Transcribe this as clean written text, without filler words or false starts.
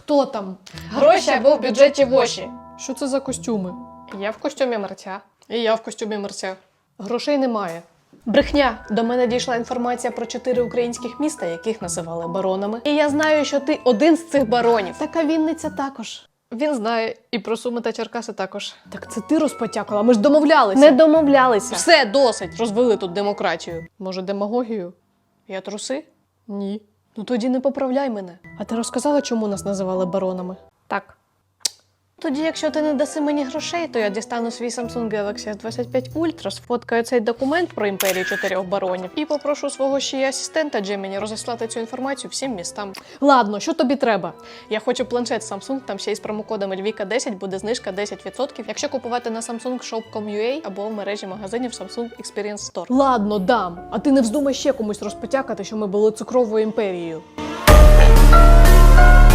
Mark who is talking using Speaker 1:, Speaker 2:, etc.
Speaker 1: Хто там?
Speaker 2: Гроші або в бюджеті воші.
Speaker 1: Що це за костюми?
Speaker 2: Я в костюмі мерця.
Speaker 1: І я в костюмі мерця.
Speaker 2: Грошей немає. Брехня. До мене дійшла інформація про 4 українських міста, яких називали баронами. І я знаю, що ти один з цих баронів.
Speaker 1: Така Вінниця також.
Speaker 2: Він знає і про Суми та Черкаси також.
Speaker 1: Так це ти розпотякала, ми ж домовлялися.
Speaker 2: Не домовлялися.
Speaker 1: Все, досить, розвели тут демократію. Може, демагогію?
Speaker 2: Я труси?
Speaker 1: Ні.
Speaker 2: Ну тоді не поправляй мене.
Speaker 1: А ти розказала, чому нас називали баронами?
Speaker 2: Так. Тоді, якщо ти не даси мені грошей, то я дістану свій Samsung Galaxy S25 Ultra, сфоткаю цей документ про імперію 4 баронів і попрошу свого ще й асистента Джеміні розіслати цю інформацію всім містам.
Speaker 1: Ладно, що тобі треба?
Speaker 2: Я хочу планшет Samsung, там ще й з промокодом LVIKA10 буде знижка 10%, якщо купувати на samsungshop.com.ua або в мережі магазинів Samsung Experience Store.
Speaker 1: Ладно, дам. А ти не вздумай ще комусь розпотякати, що ми були цукровою імперією.